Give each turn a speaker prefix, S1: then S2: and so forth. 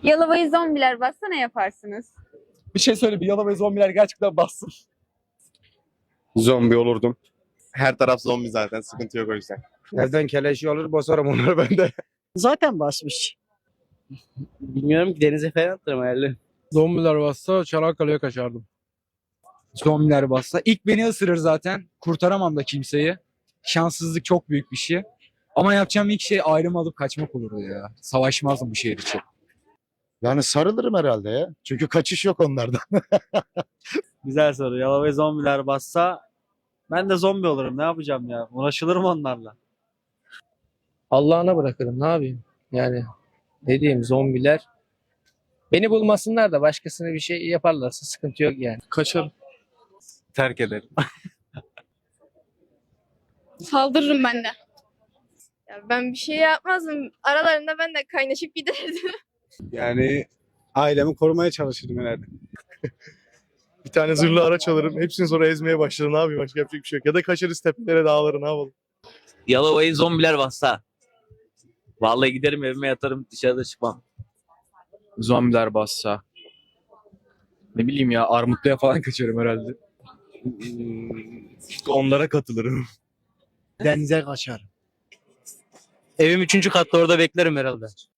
S1: Yalova'yı zombiler bassa ne yaparsınız?
S2: Bir şey söyle, bir Yalova zombiler gerçekten bassın.
S3: Zombi olurdum. Her taraf zombi zaten. Sıkıntı yok o yüzden.
S4: Evden keleşi alır basarım onları ben de.
S5: Zaten basmış.
S6: Bilmiyorum ki denize falan atlarım herhalde.
S7: Zombiler bassa Çanakkale'ye kaçardım.
S2: Zombiler bassa. İlk beni ısırır zaten. Kurtaramam da kimseyi. Şanssızlık çok büyük bir şey. Ama yapacağım ilk şey ayrım alıp kaçmak olurdu ya. Savaşmazdım bu şehir için.
S8: Yani sarılırım herhalde ya. Çünkü kaçış yok onlardan.
S6: Güzel soru. Yalova'ya zombiler bassa ben de zombi olurum. Ne yapacağım ya? Uğraşılır mı onlarla?
S9: Allah'ına bırakırım, ne yapayım? Yani ne diyeyim, zombiler beni bulmasınlar da başkasına bir şey yaparlarsa sıkıntı yok yani.
S3: Kaçarım. Terk ederim.
S10: Saldırırım ben de. Ya ben bir şey yapmazdım. Aralarında ben de kaynaşıp giderdim.
S3: Yani ailemi korumaya çalışırdım herhalde. Bir tane zırhlı araç alırım. Hepsini sonra ezmeye başlarım. Ne yapayım? Başka yapacak bir şey yok. Ya da kaçarız tepelere, dağlara, ne yapalım?
S6: Yalova'yı zombiler bassa. Vallahi giderim evime yatarım, dışarıda çıkmam.
S2: Zombiler bassa. Ne bileyim ya, Armutlu'ya falan kaçarım herhalde.
S3: Onlara katılırım.
S5: Denize kaçar.
S6: Evim 3. katta, orada beklerim herhalde.